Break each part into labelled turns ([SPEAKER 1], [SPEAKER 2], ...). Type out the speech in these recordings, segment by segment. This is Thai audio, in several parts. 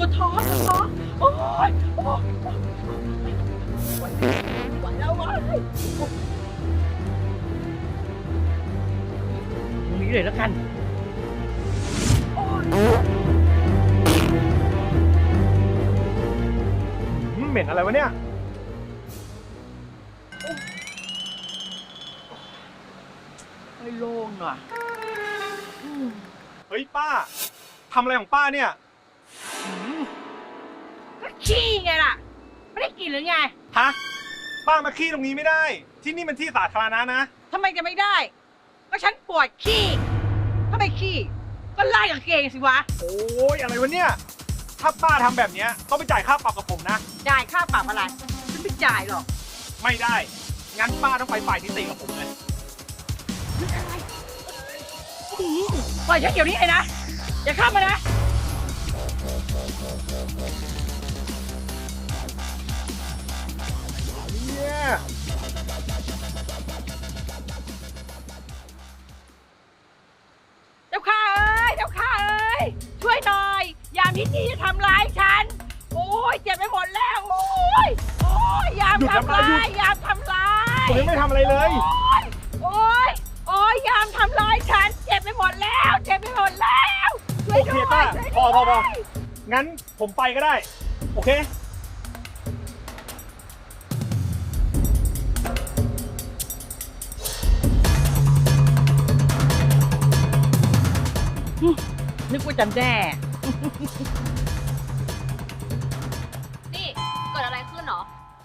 [SPEAKER 1] วดท้องโอ้ยไหวแล้ววะตรงนี้เลยแล้วกัน
[SPEAKER 2] เหม็นอะไรวะเนี่ย
[SPEAKER 1] ไม่โล่งหน่อย
[SPEAKER 2] เฮ้ยป้าทำอะไรของป้าเนี่ย
[SPEAKER 1] ก็ขี้ไงล่ะไม่ได้กินหรือไง
[SPEAKER 2] ฮะป้ามาขี้ตรงนี้ไม่ได้ ที่นี่มันที่สาธารณะนะ
[SPEAKER 1] ทำไมจะไม่ได้ก็ฉันปวดขี้ถ้าไม่ขี้ก็ไล่กางเกงสิวะ
[SPEAKER 2] โอ้ยอะไรวะเนี่ยถ้าป้าทำแบบเนี้ยต้องไปจ่ายค่าปรับกับผมนะ
[SPEAKER 1] จ่ายค่าปรับอะไรฉันไม่จ่ายหรอก
[SPEAKER 2] ไม่ได้งั้นป้าต้องไปฝ่ายนิติกับผมเลย
[SPEAKER 1] ปล่อยฉันเดี๋ยวนี้เลยนะอย่าเข้ามานะ
[SPEAKER 2] เนี่ย
[SPEAKER 1] เจ้าข้าเอ้ยเจ้าข้าเอ้ยช่วยหน่อยยามที่นี่จะทำร้ายฉันโอ้ยเจ็บไปหมดแล้วโอ้ยยามทำร้ายยามทำร้าย
[SPEAKER 2] ผมยังไม่ทำอะไรเลย
[SPEAKER 1] โอ้ยยามทำร้ายฉันเจ็บไปหมดแล้วเจ็บไปหมดแล้วช่วย
[SPEAKER 2] โอเค
[SPEAKER 1] ด้วย
[SPEAKER 2] ป้า
[SPEAKER 1] ช่วย
[SPEAKER 2] พอ
[SPEAKER 1] ด้วย
[SPEAKER 2] งั้นผมไปก็ได้ โอเค
[SPEAKER 1] นึกว่าจำแน่
[SPEAKER 3] นี่เกิดอะไรขึ้นหรอ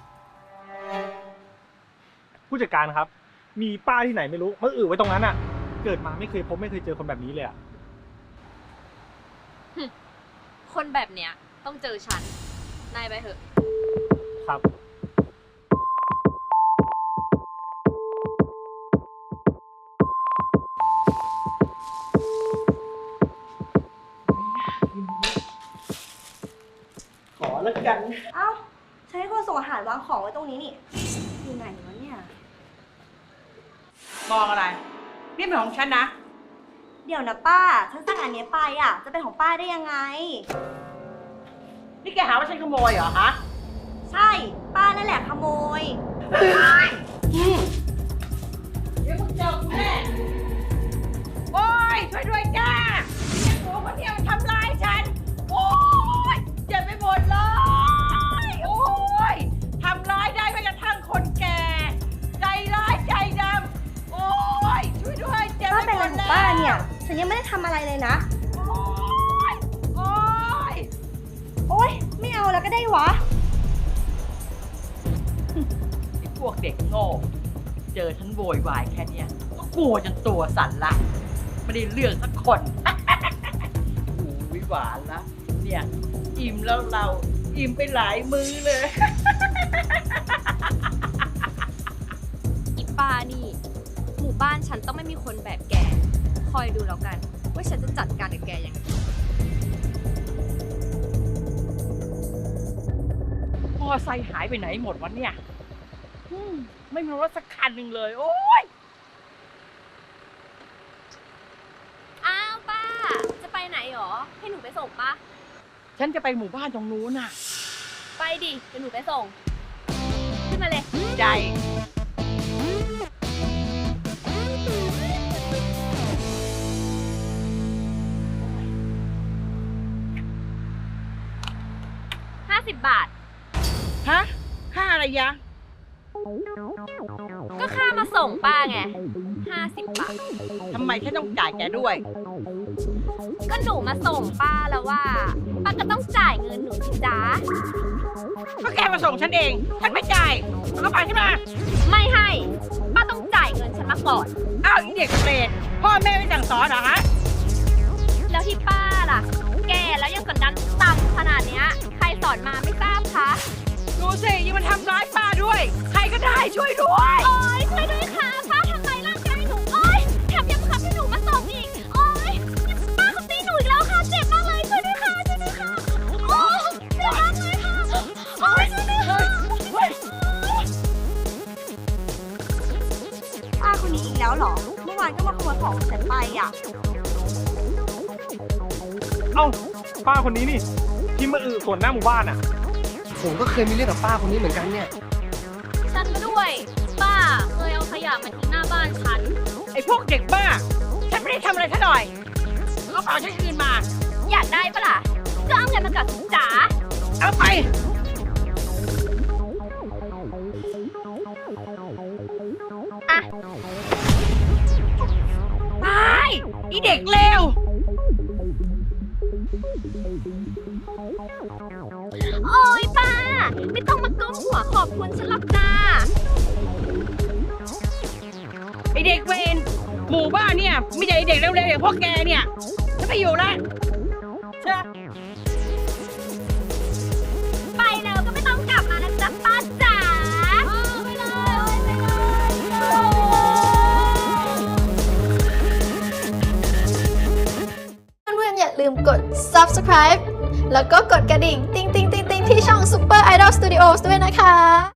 [SPEAKER 2] ผู้จัดการครับ มีป้าที่ไหนไม่รู้มาอือไว้ตรงนั้นอ่ะ เกิดมาไม่เคยพบไม่เคยเจอคนแบบนี้เลยอ่ะ
[SPEAKER 3] คนแบบเนี้ยต้องเจอฉัน นายไปเถอะ
[SPEAKER 2] ครับ
[SPEAKER 1] ขอแล้วกัน
[SPEAKER 4] เอ้าฉันให้คนส่งอาหารวางของไว้ตรงนี้นี่ อยู่ไหนวะเนี่ย
[SPEAKER 1] มองอะไรนี่เป็นของฉันนะ
[SPEAKER 4] เดี๋ยวนะป้า ฉันสั่งอันเนี้ยไปอ่ะ จะเป็นของป้าได้ยังไง
[SPEAKER 1] นี่แกหาว่าฉันขโมยเหรอฮะ
[SPEAKER 4] ใช่ ป้านั่นแหละขโมย
[SPEAKER 1] เดี๋ยวมึงเจอกูแน่โอ้ยช่วยด้วยจ้ายังหัวคนเดียวทำร้ายฉัน โอ้ยเจ็บไปหมดเลย โอ้ยทำร้ายได้แม้กระทั่งคนแก่ ใจร้ายใจดำ โอ้ยช่วยด้วยเจ็บ
[SPEAKER 4] ป้า
[SPEAKER 1] ไป
[SPEAKER 4] เป็น
[SPEAKER 1] ห
[SPEAKER 4] อะ
[SPEAKER 1] ม
[SPEAKER 4] ไร
[SPEAKER 1] ด
[SPEAKER 4] ของ
[SPEAKER 1] แล้ว
[SPEAKER 4] ป้าเนี่ย ฉันยังไม่ได้ทำอะไรเลยนะ
[SPEAKER 1] โอ้ยโอ้ย
[SPEAKER 4] โอ๊ย ไม่เอาแล้วก็ได้วะ
[SPEAKER 1] ไอ้พวกเด็กโง่ เจอฉันโวยวายแค่เนี้ยก็กลัวจนตัวสั่นละ ไม่ได้เรื่องสักคน โอ้ยหวานละ เนี่ย อิ่มแล้วเรา อิ่มไปหลายมื้อเลย
[SPEAKER 3] อีป้านี่ หมู่บ้านฉันต้องไม่มีคนแบบแก คอยดูแล้วกัน ว่าฉันจะจัดการกับแกยังไง
[SPEAKER 1] มอไซค์หายไปไหนหมดวะเนี่ยไม่มีรถสักคันหนึ่งเลย โอ้ย
[SPEAKER 3] อ้าวป้า จะไปไหนหรอ ให้หนูไปส่งปะ
[SPEAKER 1] ฉันจะไปหมู่บ้านตรงนู้นน่ะ
[SPEAKER 3] ไปดิเดี๋ยวหนูไปส่ง ขึ้นมาเลย
[SPEAKER 1] ใจ
[SPEAKER 3] 50 บาท
[SPEAKER 1] ฮะ ค่าอะไรยะ
[SPEAKER 3] ก็ค่ามาส่งป้าไง 50 บาท
[SPEAKER 1] ทำไมฉันต้องจ่ายแกด้วย
[SPEAKER 3] ก็หนูมาส่งป้าแล้วว่า ป้าก็ต้องจ่ายเงินหนูสิจ๊ะ
[SPEAKER 1] ก็แกมาส่งฉันเอง ฉันไม่จ่ายเอากระเป๋าฉันมา
[SPEAKER 3] ไม่ให้ ป้าต้องจ่ายเงินฉันมาก่อน
[SPEAKER 1] อ้าวอีเด็กเปรตพ่อแม่ไม่สั่งสอนเหรอฮะ
[SPEAKER 3] แล้วที่ป้าล่ะ แกแล้วยังกดดันต่ำขนาดเนี้ย ใครสอนมาไม่ทราบคะ
[SPEAKER 1] ดูสิยังมาทำร้ายป้าด้วย ใครก็ได้ช่วยด้วย
[SPEAKER 3] โอ๊ยช่วยด้วยค่ะป้าทำร้ายร่างกายหนู โอ๊ยแถมยังบังคับให้หนูมาส่งอีก โอ๊ยป้าเขาตีหนูอีกแล้วค่ะ เจ็บมากเลยช่วยด้วยค่ะช่วยด้วยค่ะโอ๊ยเจ็บมากเลยค่ะโอ๊ยช่วยด้วยค่ะ
[SPEAKER 4] ป้าคนนี้อีกแล้วเหรอ เมื่อวานก็มาขโมยของของฉันไปอ่ะ
[SPEAKER 2] เอ้าป้าคนนี้นี่ที่มาส่วนหน้าหมู่บ้านอ่ะ
[SPEAKER 5] ผมก็เคยมีเรื่องกับป้าคนนี้เหมือนกันเนี่ย
[SPEAKER 3] ฉันก็ด้วย ป้าเคยเอาขยะมาทิ้งหน้าบ้านฉัน
[SPEAKER 1] ไอ้พวกเด็กบ้า ฉันไม่ได้ทำอะไรซะหน่อยกระเป๋าฉันคืนมา
[SPEAKER 3] อยากได้ปะล่ะก็เอาเงินมากับสิจ๋า
[SPEAKER 1] เอาไปอะตายอีเด็กเลว
[SPEAKER 3] โอ้ยป้า ไม่ต้องมาก้มหัวขอบคุณฉันหรอกจ้า
[SPEAKER 1] ไอเด็กเวรหมู่บ้านเนี่ยไม่ใช่ไอเด็กเร็วๆอย่างพวกแกเนี่ยจะไปอยู่แล้วเชื่อ
[SPEAKER 3] ไปแล้วก็ไม่ต้องกลับมานะจ๊ะป้าจ๋าไปเลย
[SPEAKER 6] เพื่อนๆอย่าลืมกด subscribe แล้วก็กดกระดิ่ง ติ๊งๆๆๆ ที่ช่อง Super Idol Studios ด้วยนะคะ